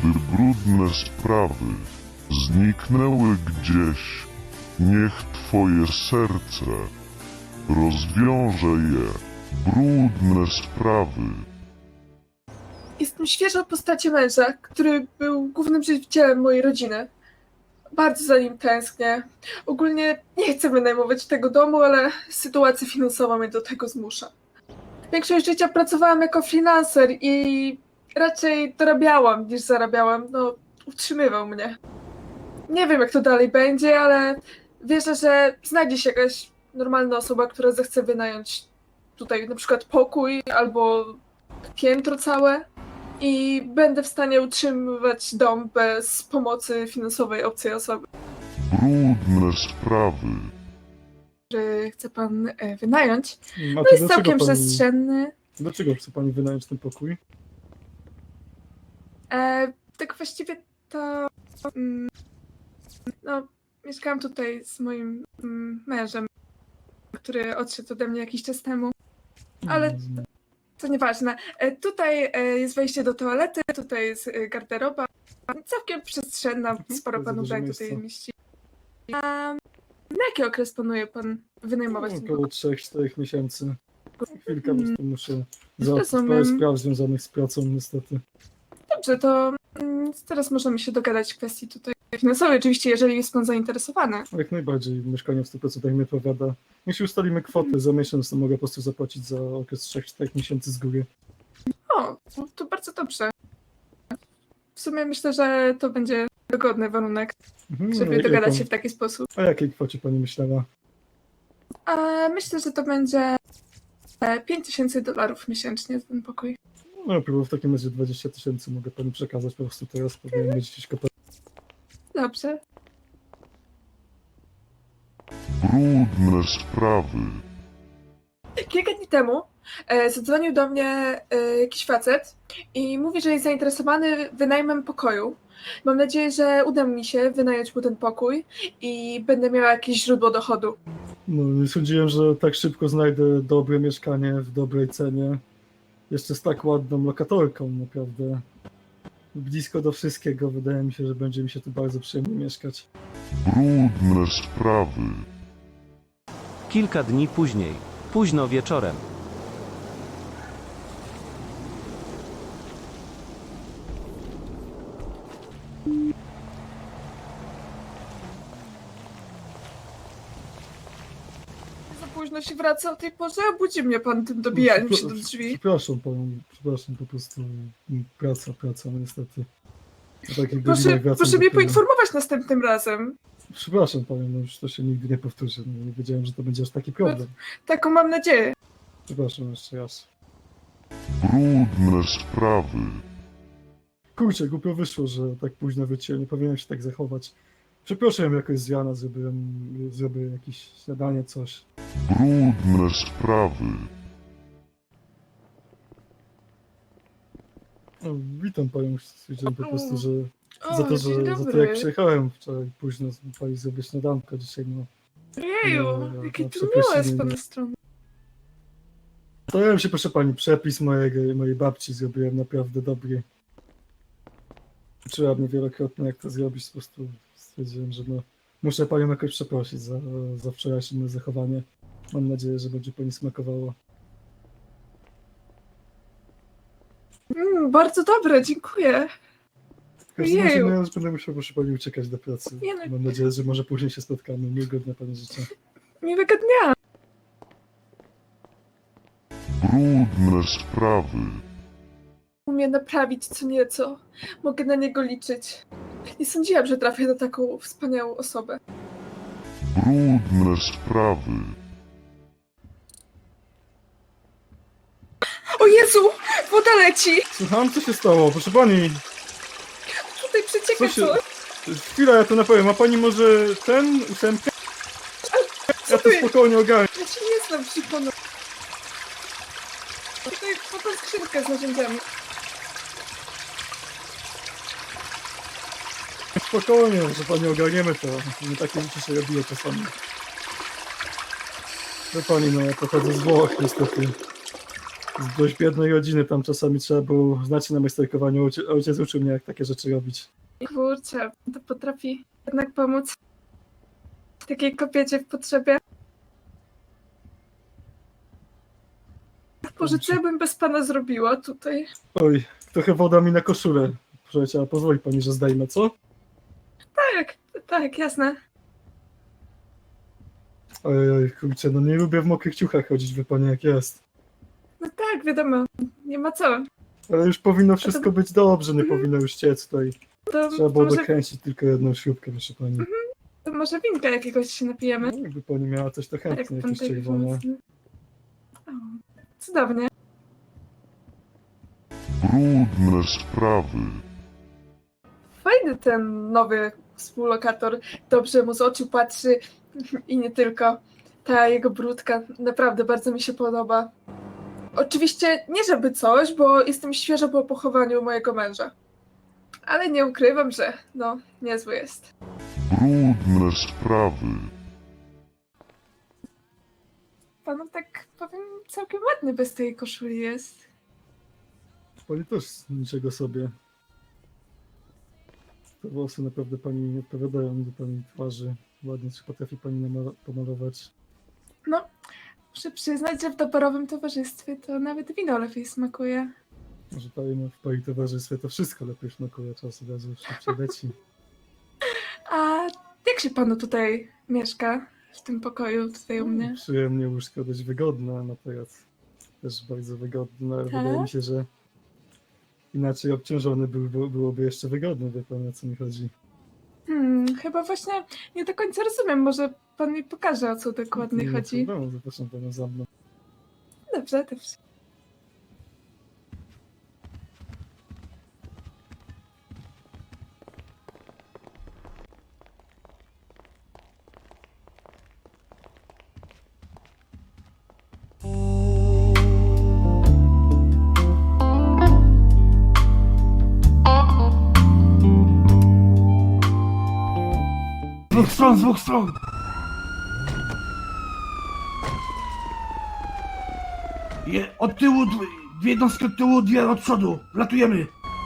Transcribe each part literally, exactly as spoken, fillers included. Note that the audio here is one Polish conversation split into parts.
by brudne sprawy zniknęły gdzieś. Niech twoje serce rozwiąże je, brudne sprawy. Jestem świeża w postaci męża, który był głównym żywicielem mojej rodziny. Bardzo za nim tęsknię. Ogólnie nie chcę wynajmować tego domu, ale sytuacja finansowa mnie do tego zmusza. Większość życia pracowałam jako freelancer i raczej dorabiałam niż zarabiałam. No, utrzymywał mnie. Nie wiem, jak to dalej będzie, ale wierzę, że znajdzie się jakaś normalna osoba, która zechce wynająć tutaj na przykład pokój albo piętro całe i będę w stanie utrzymywać dom bez pomocy finansowej obcej osoby. Brudne sprawy. Że chce pan e, wynająć. A No to jest dlaczego całkiem pani, przestrzenny. Dlaczego chce pani wynająć ten pokój? E, tak właściwie to... Mm, no, mieszkałam tutaj z moim mm, mężem, który odszedł ode mnie jakiś czas temu. Ale Mm, to nieważne. E, tutaj e, jest wejście do toalety, tutaj jest e, garderoba. Całkiem przestrzenna, sporo bardzo pan dużo ubrań tutaj miejsca. mieści. A na jaki okres planuje pan wynajmować ten Około pokój? trzech czterech miesięcy. Chwilkę po Mm, prostu muszę załatwić rozumiem. parę spraw związanych z pracą, niestety. Dobrze, to mm, teraz możemy się dogadać w kwestii tutaj finansowej, oczywiście, jeżeli jest pan zainteresowany. Jak najbardziej mieszkanie w stu procentach mi odpowiada. Jeśli ustalimy kwotę za miesiąc, to mogę po prostu zapłacić za okres trzech czterech miesięcy z góry. O, to bardzo dobrze. W sumie myślę, że to będzie dogodny warunek, Mhm, żeby jakiej dogadać pan- się w taki sposób. O jakiej kwocie pani myślała? A myślę, że to będzie e, pięć tysięcy dolarów miesięcznie za ten pokój. No, próbował w takim razie dwadzieścia tysięcy mogę pani przekazać po prostu teraz, powinien mieć gdzieś kopę. Dobrze. Brudne sprawy. Kilka dni temu e, zadzwonił do mnie e, jakiś facet i mówi, że jest zainteresowany wynajmem pokoju. Mam nadzieję, że uda mi się wynająć mu ten pokój i będę miała jakieś źródło dochodu. No, nie sądziłem, że tak szybko znajdę dobre mieszkanie w dobrej cenie. Jeszcze z tak ładną lokatorką, naprawdę. Blisko do wszystkiego, wydaje mi się, że będzie mi się tu bardzo przyjemnie mieszkać. Brudne sprawy. Kilka dni później, późno wieczorem. Za późno się wraca o tej porze, a budzi mnie pan tym dobijaniem się do drzwi. Przepraszam panią, przepraszam, po prostu mm, praca, praca, no niestety. O takich Proszę, godzinach wracam proszę mnie dopiero. poinformować następnym razem. Przepraszam panią, no już to się nigdy nie powtórzy. No, nie wiedziałem, że to będzie aż taki problem. Taką mam nadzieję. Przepraszam jeszcze raz. Brudne sprawy. Kurczę, głupio wyszło, że tak późno wróciłem, nie powinienem się tak zachować. Przepraszam jakoś z rana, zrobiłem, zrobię jakieś śniadanie, coś. Brudne sprawy. No, witam panią, stwierdziłem po prostu, że O, za to, dzień że za to dobry. jak przyjechałem wczoraj późno, pani zrobić śniadanko dzisiaj, no. Jeju, No, jakie no, to miłe przeprosiny, z pana nie. strony. Starałem się, proszę pani, przepis mojego, mojej babci zrobiłem naprawdę dobry. Uczyła mnie wielokrotnie, jak to zrobić, po prostu stwierdziłem, że no, muszę panią jakoś przeprosić za, za wczorajsze moje zachowanie. Mam nadzieję, że będzie pani smakowało. Mm, bardzo dobre, dziękuję. W każdym razie Jeju. no, ja już będę musiał, proszę pani, uciekać do pracy. Nie no. Mam nadzieję, że może później się spotkamy. Miłego dnia pani życzę. Miłego dnia. Brudne sprawy. Umie naprawić co nieco. Mogę na niego liczyć. Nie sądziłam, że trafię na taką wspaniałą osobę. Brudne sprawy. O Jezu! Woda leci! Słucham, co się stało? Proszę pani, Tutaj przecieka co się... coś. Chwila, ja to napowiem. Ma pani może ten ósemkę? Co Ja to ty? spokojnie ogarnę. Ja się nie znam przy panu. Tutaj potem skrzynkę z narzędziami. Spokojnie, że pani ogarniemy to. Nie takie rzeczy się robiło czasami. No pani, no ja pochodzę z Włoch niestety. z dość biednej rodziny, tam czasami trzeba było znać się na majsterkowaniu. Ojciec, ojciec uczył mnie, jak takie rzeczy robić. Kurczę, to potrafi jednak pomóc takiej kobiecie w potrzebie. Boże, co ja bym bez pana zrobiła tutaj? Oj, trochę woda mi na koszulę. Proszę, a pozwoli pani, że zdejmę, co? Tak, tak, jasne. Oj, oj, kurczę, no nie lubię w mokrych ciuchach chodzić, wie pani jak jest. No tak, wiadomo, nie ma co. Ale już powinno wszystko być dobrze, nie powinno już ciec tutaj. To, Trzeba to, było może, dokręcić tylko jedną śrubkę, proszę pani. to może winka jakiegoś się napijemy? No, jakby pani miała coś, to Jak chętnie, pan jakieś tak czerwone. pomocny. O, cudownie. Brudne sprawy. Fajny ten nowy współlokator. Dobrze mu z oczu patrzy i nie tylko. Ta jego brudka naprawdę bardzo mi się podoba. Oczywiście nie żeby coś, bo jestem świeżo po pochowaniu mojego męża. Ale nie ukrywam, że no, niezły jest. Brudne sprawy. Panu tak powiem, całkiem ładny bez tej koszuli jest. Pani też niczego sobie. Te włosy naprawdę pani nie odpowiadają do pani twarzy. Ładnie, czy potrafi pani namalo- pomalować. No, muszę przyznać, że w doborowym towarzystwie to nawet wino lepiej smakuje. Może pani w pani towarzystwie to wszystko lepiej smakuje, czas od razu już się przyleci. A jak się panu tutaj mieszka? W tym pokoju tutaj u mnie? Przyjemnie, łóżko dość wygodne, no teraz też bardzo wygodne, ale Tak? wydaje mi się, że inaczej obciążony był, byłoby jeszcze wygodny, wie pan, o co mi chodzi. Hmm, chyba właśnie nie do końca rozumiem. Może pan mi pokaże, o co dokładnie Nie chodzi. problemu, zapraszam panią za mną. Dobrze, dobrze. Z dwóch stron, z dwóch stron! Je, od tyłu, dwie, dwie jednostki od tyłu, dwie od przodu. Latujemy.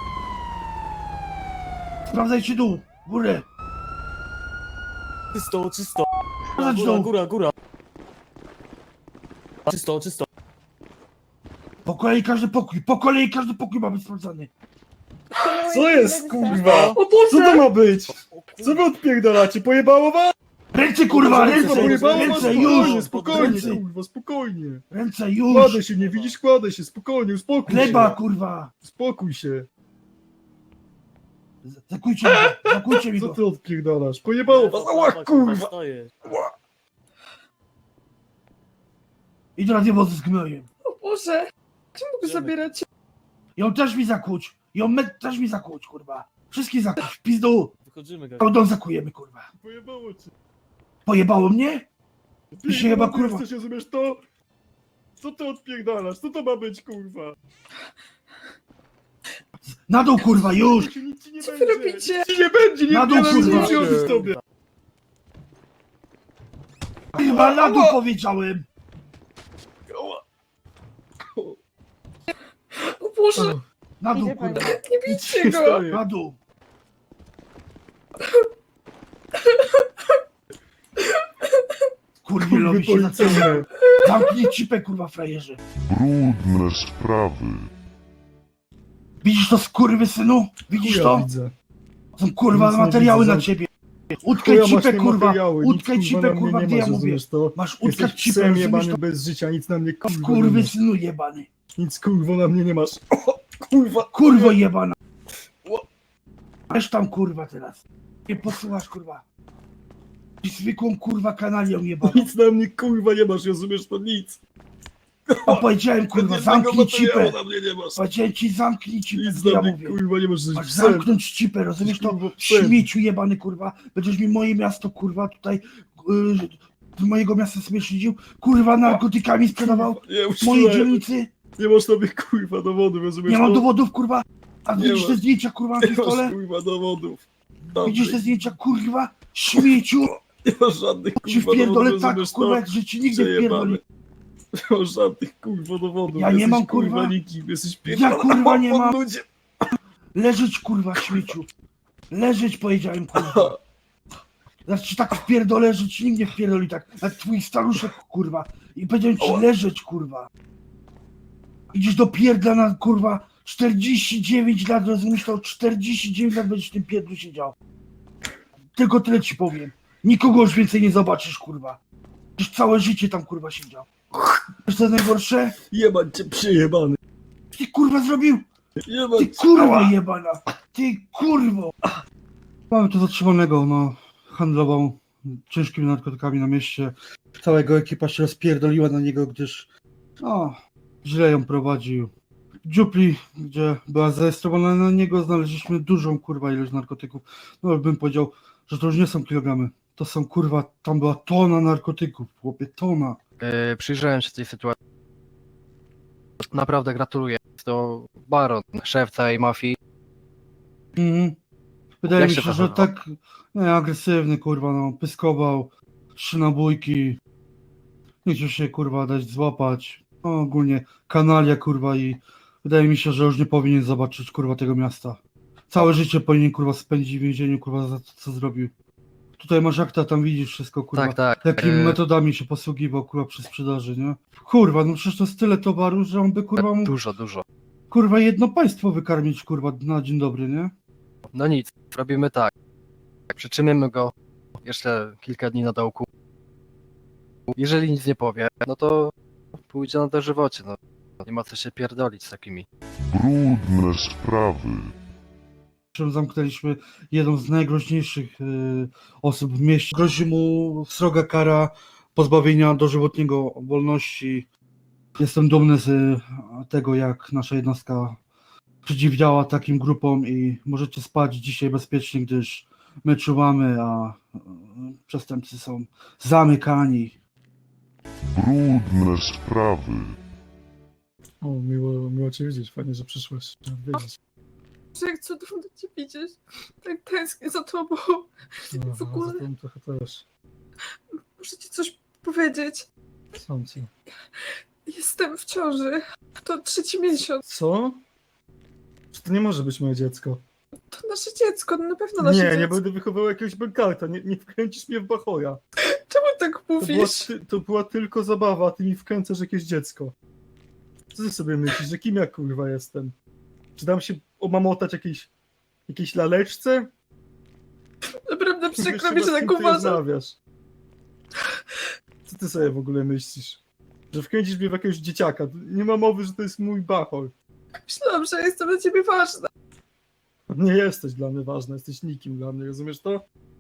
Sprawdzajcie dół, górę. Czysto, czysto. Sprawdź Góra, dół. góra, góra. Czysto, czysto. Po kolei każdy pokój, po kolei każdy pokój ma być sprawdzany. Co jest, kurwa? O Co Boże! to ma być? Co wy odpierdalacie? Pojebało was? Ręce kurwa, Kurwa, ręce, pojebało was? ręce, Spokojnie, już! spokojnie, Ręce, kurwa, spokojnie. ręce, już! Kładę się, nie widzisz? Kładę się, spokojnie, uspokój Gleba się. kurwa! Uspokój się. Zakujcie mi go, zakujcie mi Co go. ty odpierdalasz? Pojebało was? Ała, kurwa. Stoję. Idź na dwie wozy z gnojem. O Boże! Czemu go zabieracie? Ją też mi zakłuć. Ją me, też mi zakłuć, kurwa. Wszystkich zakłuć, w pizdu. Wychodzimy, Cały dom zakujemy, kurwa. Pojebało cię. Pojebało mnie? Ty się chyba, ty kurwa- Jesteś, rozumiesz to? Co ty odpierdalasz? Co to ma być, kurwa? Na dół, kurwa, już! Nic ci nie Co wy będzie. robicie? Nic ci nie będzie, nie Na dół, odbieram, kurwa. nic nie robić tobie. Kurwa, na dół powiedziałem! O Boże! Na dół, kurwa. Nie Nic bijcie się go! staje. Na dół. Kurwielowi się zaczęło. Policyjne. Zamknij cipę, kurwa, frajerze. Brudne sprawy. Widzisz to, skurwy synu? Widzisz Chuja to? widzę. Są kurwa Nic nie materiały widzę, na zam- ciebie. Utkaj Chuja masz cipę, te kurwa. materiały, nic, Utkaj kurwa, cipę, na mnie kurwa, nie gdzie masz, ja mówię. rozumiesz to? Masz utkać Jesteś cipę, psem rozumiesz jebany to? bez życia, nic na mnie kurwa nie Kurwy masz. synu jebany. Nic kurwa na mnie nie masz. O, kurwa. Kurwo jebana. Wiesz tam, kurwa, teraz. Nie posyłasz, kurwa. I zwykłą, kurwa, kanalią jebaną. Nic na mnie kurwa nie masz, rozumiesz to? Nic. A powiedziałem, kurwa, Żadnego zamknij materiału cipę. na mnie nie masz. Powiedziałem ci, zamknij cipę, Nic co ja na mnie mówię. kurwa nie masz, jesteś Masz psem. zamknąć cipę, rozumiesz to? Kurwa, psem. Śmieciu jebany, kurwa. Będziesz mi moje miasto, kurwa, tutaj yy, z mojego miasta sobie szydził. Kurwa, narkotykami sprzedawał Kurwa, Nie, w mojej uczciłem. dzielnicy. Nie masz na mnie kurwa dowodów, rozumiesz Nie mam to? dowodów, kurwa. A Nie widzisz ma. te zdjęcia, kurwa, na Nie tym masz stole? kurwa dowodów. Dobry. Widzisz te zdjęcia, kurwa? Śmieciu. Nie masz żadnych Ci kurwa wpierdolę dowodów, tak, rozumiesz kurwa, to? jak że ci nigdy Przejebane. wpierdoli. Nie masz żadnych kurwa dowodów. Ja nie jesteś, mam, kurwa. nikim, jesteś Ja, kurwa, nie mam. ludzie. Leżeć, kurwa, śmieciu. Leżeć, powiedziałem, kurwa. Znaczy tak wpierdolę, że ci nikt nie wpierdoli tak. Jak twój staruszek, kurwa. I powiedziałem ci leżeć, kurwa. Idziesz do pierdla na, kurwa, czterdzieści dziewięć lat, rozumiesz to? czterdzieści dziewięć lat będziesz w tym pierdlu siedział. Tylko tyle ci powiem. Nikogo już więcej nie zobaczysz, kurwa. Już całe życie tam, kurwa, siedział. Wiesz co najgorsze? Jebać cię przejebany. Ty, kurwa, zrobił? Jebać Ty, kurwa, jebana. Ty, kurwo. Mamy tu zatrzymanego, no. Handlował ciężkimi narkotykami na mieście. Cała jego ekipa się rozpierdoliła na niego, gdyż no, źle ją prowadził. W dziupli, gdzie była zarejestrowana na niego, znaleźliśmy dużą, kurwa, ilość narkotyków. No, bym powiedział, że to już nie są kilogramy. To są, kurwa, tam była tona narkotyków, chłopie, tona. Yy, przyjrzałem się tej sytuacji. Naprawdę gratuluję. To baron, szef całej mafii. Mhm. Wydaje Jak mi się się, że zachował? tak nie, agresywny, kurwa, no, pyskował, trzy nabójki, nie chciał się, kurwa, dać złapać, no, ogólnie kanalia, kurwa, i wydaje mi się, że już nie powinien zobaczyć, kurwa, tego miasta. Całe życie powinien, kurwa, spędzić w więzieniu, kurwa, za to, co zrobił. Tutaj masz akta, tam widzisz wszystko, kurwa, Tak, tak. jakimi Yy, metodami się posługiwał, kurwa, przy sprzedaży, nie? Kurwa, no przecież to jest tyle towaru, że on by, kurwa, mógł, Dużo, dużo. kurwa, jedno państwo wykarmić, kurwa, na dzień dobry, nie? No nic, robimy tak. Przytrzymamy go jeszcze kilka dni na dołku. Jeżeli nic nie powie, no to pójdzie na dożywocie. No. Nie ma co się pierdolić z takimi. Brudne sprawy. Czym zamknęliśmy jedną z najgroźniejszych y, osób w mieście. Grozi mu sroga kara pozbawienia dożywotniego wolności. Jestem dumny z y, tego, jak nasza jednostka przeciwdziała takim grupom i możecie spać dzisiaj bezpiecznie, gdyż my czuwamy, a y, przestępcy są zamykani. Brudne sprawy. O, miło, miło cię widzieć, fajnie, że przyszłeś. Chciałem wiedzieć. Że jak cudownie cię widzieć. Tak tęsknię za tobą. No, W ogóle- za tym trochę też. Muszę ci coś powiedzieć. Sam ci. Jestem w ciąży. To trzeci miesiąc. Co? Czy to nie może być moje dziecko? To nasze dziecko, no na pewno nasze Nie, dziecko. nie będę wychowywał jakiegoś bękarta, nie, nie wkręcisz mnie w bachora. Czemu tak To była, mówisz? ty, to była tylko zabawa, a ty mi wkręcasz jakieś dziecko. Co ty sobie myślisz, że kim ja kurwa jestem? Czy dam się omamotać jakiejś, jakiejś laleczce? Naprawdę Wiesz, przykro mi, że chyba z tak kim ty uważam. rozmawiasz. Co ty sobie w ogóle myślisz? Że wkręcisz mnie w jakiegoś dzieciaka? Nie ma mowy, że to jest mój bachor. Myślałam, że jestem dla ciebie ważna. Nie jesteś dla mnie ważna, jesteś nikim dla mnie, rozumiesz to?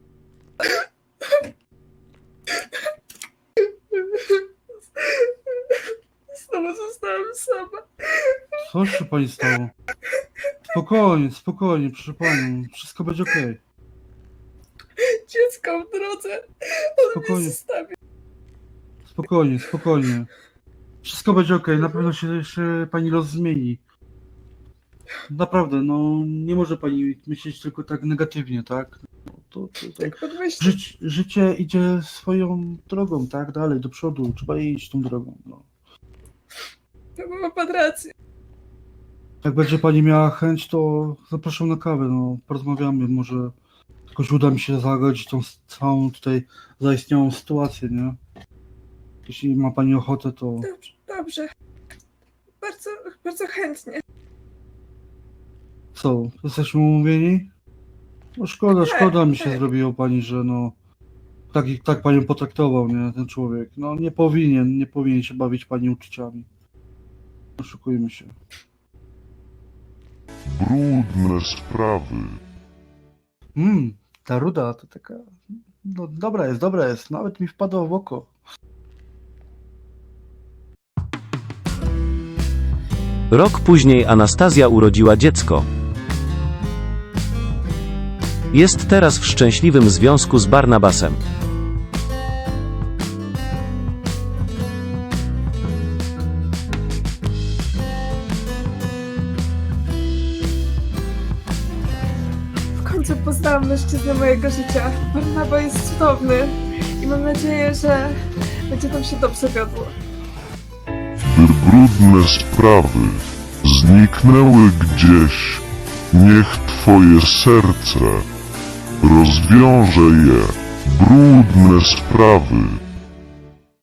Znowu zostałam sama. Co się pani stało? Spokojnie, spokojnie, proszę panią, wszystko będzie okej. Dziecko w drodze. On Spokojnie. mnie zostawi. Spokojnie, spokojnie. Wszystko będzie okej, na pewno się jeszcze pani los zmieni. Naprawdę, no nie może pani myśleć tylko tak negatywnie, tak? No, to, to, to, Tak podmyślić. żyć, życie idzie swoją drogą, tak? Dalej, do przodu, trzeba iść tą drogą. No. To ma pan rację. Jak będzie pani miała chęć, to zapraszam na kawę, no porozmawiamy, może jakoś uda mi się zagodzić tą całą tutaj zaistniałą sytuację, nie? Jeśli ma pani ochotę, to Dobrze, dobrze. Bardzo, bardzo chętnie. co, jesteśmy umówieni? No szkoda, Tak, szkoda mi się tak. zrobiło pani, że no tak, tak panią potraktował, nie, ten człowiek. No nie powinien, nie powinien się bawić pani uczuciami. Oszukujmy się. Brudne sprawy. Mmm, ta ruda to taka, no dobra jest, dobra jest, nawet mi wpadła w oko. Rok później Anastazja urodziła dziecko. Jest teraz w szczęśliwym związku z Barnabasem. W końcu poznałam mężczyznę mojego życia. Barnaba jest cudowny. I mam nadzieję, że będzie nam się dobrze wiodło. by brudne sprawy zniknęły gdzieś. Niech twoje serce rozwiąże je, brudne sprawy.